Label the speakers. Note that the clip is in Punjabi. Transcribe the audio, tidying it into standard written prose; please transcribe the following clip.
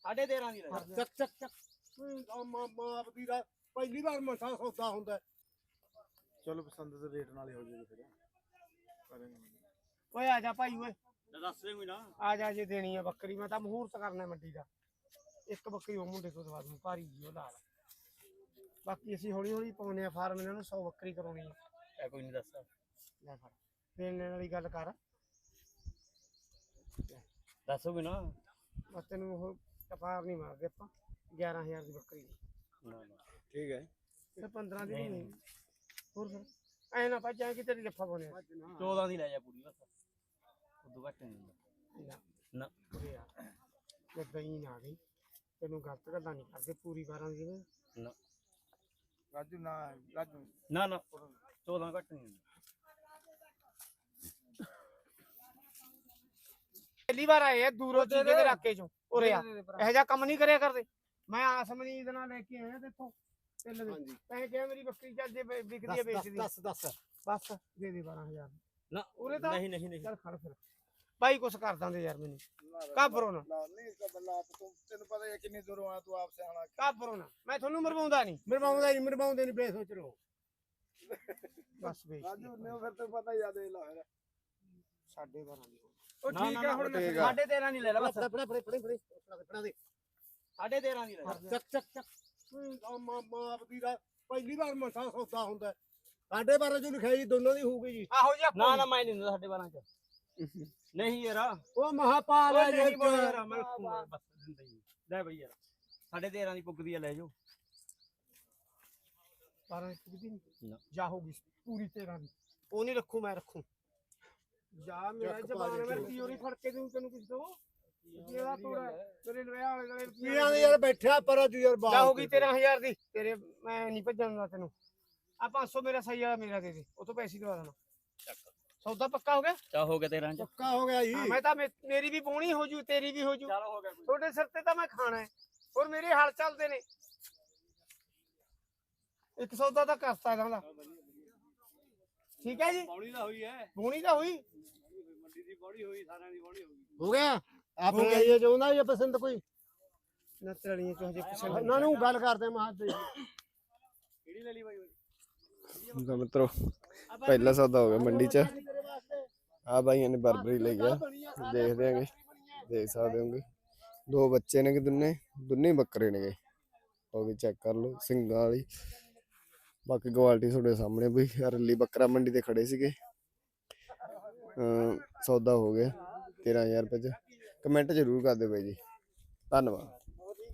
Speaker 1: 13.5 ਦੀ ਲੈ
Speaker 2: ਚੱਕ ਚੱਕ ਚੱਕ ਮਾਪ ਦੀ ਦਾ ਪਹਿਲੀ ਵਾਰ ਮਸਾ ਸੌਦਾ ਹੁੰਦਾ।
Speaker 3: ਚਲੋ ਪਸੰਦ ਦੇ ਰੇਟ ਨਾਲ ਹੀ ਹੋ ਜਾਏਗਾ ਫਿਰ
Speaker 4: ਓਏ ਆ ਜਾ ਭਾਈ ਓਏ
Speaker 1: ਦੱਸ ਦੇ ਕੋਈ ਨਾ
Speaker 4: ਆ ਜਾ ਜੇ ਦੇਣੀ ਆ ਬੱਕਰੀ ਮੈਂ ਤਾਂ ਮਹੂਰਤ ਕਰਨਾ ਮੰਡੀ ਦਾ। ਇੱਕ ਬੱਕਰੀ ਉਹ ਮੁੰਡੇ ਤੋਂ ਦਵਾ ਦੂੰ ਭਾਰੀ ਜੀ ਉਹ ਲਾਲ। ਬਾਕੀ ਅਸੀਂ ਹੌਲੀ ਹੌਲੀ ਪਾਉਨੇ ਆ ਫਾਰਮ ਇਹਨਾਂ ਨੂੰ 100 ਬੱਕਰੀ ਕਰਾਉਣੀ ਆ।
Speaker 1: ਐ ਕੋਈ ਨਹੀਂ ਦੱਸ
Speaker 4: ਲੈ ਫੜ ਦੇਣ ਵਾਲੀ ਗੱਲ ਕਰ
Speaker 1: ਦੱਸੋ ਕੋਈ ਨਾ
Speaker 4: ਬਸ ਤੈਨੂੰ ਉਹ ਕਪਾਰ ਨਹੀਂ ਮਾਰਦੇ ਆਪਾਂ 11000 ਦੀ ਬੱਕਰੀ
Speaker 1: ਨਾ ਨਾ
Speaker 3: ਠੀਕ ਹੈ
Speaker 4: ਤੇ 15 ਦੀ ਨਹੀਂ ਹੋਰ ਫਿਰ ਐ ਨਾ ਭੱਜਾਂ ਕਿ ਤੇਰੀ ਜੱਫਾ ਬਣੇ
Speaker 1: 14 ਦੀ ਲੈ ਜਾ ਪੂਰੀ ਬਸ ਉਦੋਂ ਘੱਟ ਨਹੀਂ
Speaker 4: ਨਾ
Speaker 1: ਨਾ
Speaker 4: ਉਰੇ ਆ ਜੇ ਦਹੀਂ ਆ ਗਈ ਤੈਨੂੰ ਗਲਤ ਗੱਲਾਂ ਨਹੀਂ ਕਰਦੇ ਪੂਰੀ 12 ਦੀ ਦੇ
Speaker 1: ਨਾ
Speaker 3: ਰਾਜੂ ਨਾ ਰਾਜੂ
Speaker 1: ਨਾ ਨਾ 14 ਘੱਟ ਨਹੀਂ
Speaker 4: ਪਹਿਲੀ ਵਾਰ ਆਏ ਆ ਦੂਰੋਂ ਚੀਕੇ ਦੇ ਇਲਾਕੇ ਚੋਂ ਉਰੇ ਆ ਇਹੋ ਜਿਹਾ ਕੰਮ ਨਹੀਂ ਕਰਿਆ ਕਰਦੇ। ਮੈਂ ਆਸਮਨੀਦ ਨਾਲ ਲੈ ਕੇ ਆਇਆ ਤੇਥੋਂ ਤਿੰਨ ਦੇ ਤੈਂ ਕਿਹਾ ਮੇਰੀ ਬੱਕਰੀ ਚੱਲ ਜੇ ਵਿਕਦੀ ਹੈ ਵੇਚਦੀ
Speaker 2: ਦੱਸ
Speaker 4: ਬਸ ਦੇ ਦੇ 12000
Speaker 1: ਨਾ
Speaker 4: ਉਰੇ ਤਾਂ
Speaker 1: ਨਹੀਂ ਨਹੀਂ ਨਹੀਂ
Speaker 4: ਚੱਲ ਖੜ ਫਿਰ ਬਾਈ ਕੁਛ ਕਰ ਦਾਂਦੇ ਯਾਰ ਮੈਨੂੰ ਕਾਬਰੋ ਨਾ
Speaker 3: ਨਹੀਂ ਕਬਲਾ ਤੂੰ ਤੈਨੂੰ ਪਤਾ ਹੈ ਕਿੰਨੀ ਦੂਰੋਂ ਆਇਆ ਤੂੰ ਆਪ ਸੇ ਆਣਾ
Speaker 4: ਕਾਬਰੋ ਨਾ ਮੈਂ ਤੁਹਾਨੂੰ ਮਰਵਾਉਂਦਾ ਨਹੀਂ
Speaker 2: ਮਰਵਾਉਂਦੇ ਨਹੀਂ ਬੇਸੋਚ ਲੋ।
Speaker 4: ਬਸ ਵੇਚ
Speaker 3: ਰਾਜੂ ਨੇ ਫਿਰ ਤੇ ਪਤਾ ਹੀ ਆ ਦੇ ਲਾ ਫਿਰ
Speaker 4: 12.5 ਦੀ
Speaker 2: ਉਹ ਠੀਕ ਹੈ ਹੁਣ
Speaker 3: ਠੀਕ ਆ।
Speaker 1: 13.5 ਨਹੀਂ ਲੈ ਲੈ ਬਸ
Speaker 2: ਫੜਾ ਦੇ
Speaker 1: 13.5 ਦੀ ਲੈ
Speaker 2: ਚੱਕ ਚੱਕ ਚੱਕ ਮਾਪ ਦੀ ਦਾ ਪਹਿਲੀ ਵਾਰ ਮਸਾ ਸੌਦਾ ਹੁੰਦਾ। 12.5 ਜੋ ਲਿਖਾਈ ਦੋਨੋਂ ਦੀ ਹੋਊਗੀ ਜੀ।
Speaker 4: ਆਹੋ ਜੀ
Speaker 1: ਨਾ ਨਾ ਮੈਂ ਨਹੀਂ ਦਿੰਦਾ 12.5 ਚ ਨਹੀਂ ਯਾਰ
Speaker 2: ਉਹ ਮਹਾਪਾਲ ਹੈ
Speaker 1: ਨਹੀਂ ਬੋਲ ਯਾਰ ਮੈਂ ਰੱਖੂਗਾ ਬਸ ਦਿੰਦਾ ਹੀ ਲੈ ਬਈ ਯਾਰ 13.5 ਦੀ ਪੁੱਗਦੀ ਆ ਲੈ ਜਾਓ
Speaker 4: 12 ਦੀ
Speaker 1: ਨਾ।
Speaker 4: ਜਾ ਹੋਗੀ ਪੂਰੀ 13 ਦੀ ਉਹ ਨਹੀਂ ਰੱਖੂ ਮੈਂ ਰੱਖੂ ਜਾ ਮੇਰਾ ਜ਼ਬਾਨ ਮੈਂ ਪੀਓਰੀ ਫੜ ਕੇ ਦੂੰ ਤੈਨੂੰ ਕਿਸ ਦੋ ਜਿਹੜਾ ਤੋੜਾ ਤੇਰੇ ਵਿਆਹ ਵਾਲੇ ਨਾਲੇ
Speaker 2: ਪੀਆਂ ਦੇ ਯਾਰ ਬੈਠਿਆ ਪਰ ਅੱਜ ਯਾਰ
Speaker 4: ਜਾ ਹੋਗੀ 13000 ਦੀ ਤੇਰੇ ਮੈਂ ਨਹੀਂ ਭੱਜਣ ਦਿੰਦਾ ਤੈਨੂੰ ਆ 500 ਮੇਰਾ ਸਹੀ ਵਾਲਾ ਮੇਰਾ ਦੇ ਦੇ ਉਹ ਤੋਂ ਪੈਸੇ ਦਵਾ ਦੇਣਾ ਸੌਦਾ ਪੱਕਾ ਹੋ ਗਿਆ
Speaker 1: ਚਾ ਹੋ ਗਿਆ 13 ਚ
Speaker 2: ਪੱਕਾ ਹੋ ਗਿਆ ਜੀ।
Speaker 4: ਮੈਂ ਤਾਂ ਮੇਰੀ ਵੀ ਪੋਣੀ ਹੋ ਜੂ ਤੇਰੀ ਵੀ ਹੋ ਜੂ
Speaker 1: ਚਲ ਹੋ ਗਿਆ ਕੋਈ
Speaker 4: ਤੁਹਾਡੇ ਸਿਰ ਤੇ ਤਾਂ ਮੈਂ ਖਾਣਾ ਹੈ ਹੋਰ ਮੇਰੇ ਹਾਲ ਚੱਲਦੇ ਨੇ ਇੱਕ ਸੌਦਾ ਤਾਂ ਕਰਤਾ ਜਾਂਦਾ ਠੀਕ ਹੈ ਜੀ
Speaker 1: ਪੌੜੀ ਦਾ ਹੋਈ ਹੈ
Speaker 4: ਪੋਣੀ ਤਾਂ ਹੋਈ
Speaker 1: ਮੰਡੀ ਦੀ ਬੋੜੀ ਹੋਈ ਸਾਰਿਆਂ ਦੀ ਬੋੜੀ ਹੋ ਗਈ
Speaker 2: ਹੋ ਗਿਆ ਆਪਣੇ ਇਹ ਚਾਹੁੰਦਾ ਜਾਂ ਪਸੰਦ ਕੋਈ
Speaker 4: ਨਾ ਤੜੀਆਂ ਚੋਂ ਹਜੇ ਕਿਸੇ
Speaker 2: ਉਹਨਾਂ ਨੂੰ ਗੱਲ ਕਰਦੇ ਮਾਂ ਦੇ
Speaker 1: ਕਿਹੜੀ ਲੈ ਲਈ ਬਾਈ
Speaker 3: ਮਿੱਤਰੋ ਪਹਿਲਾ ਸੌਦਾ ਹੋ ਗਿਆ ਮੰਡੀ ਚ ਆ ਭਾਈਆਂ ਨੇ ਬਰਬਰੀ ਲਈ ਆ ਦੇਖਦੇ ਆਂਗੇ ਦੇਖ ਸਕਦੇ ਹੋਗੇ ਦੋ ਬੱਚੇ ਨੇ ਕਿ ਦੋਨੇ ਬੱਕਰੇ ਨੇ ਉਹ ਵੀ ਚੈੱਕ ਕਰ ਲਓ ਸਿੰਘਾਂ ਵਾਲੀ ਬਾਕੀ ਕੁਆਲਿਟੀ ਤੁਹਾਡੇ ਸਾਹਮਣੇ ਬਈ ਰੱਲੀ ਬੱਕਰਾ ਮੰਡੀ ਤੇ ਖੜੇ ਸੀਗੇ ਸੌਦਾ ਹੋ ਗਿਆ 13000 ਰੁਪਏ ਚ ਕਮੈਂਟ ਜ਼ਰੂਰ ਕਰ ਦਿਓ ਬਾਈ ਜੀ ਧੰਨਵਾਦ।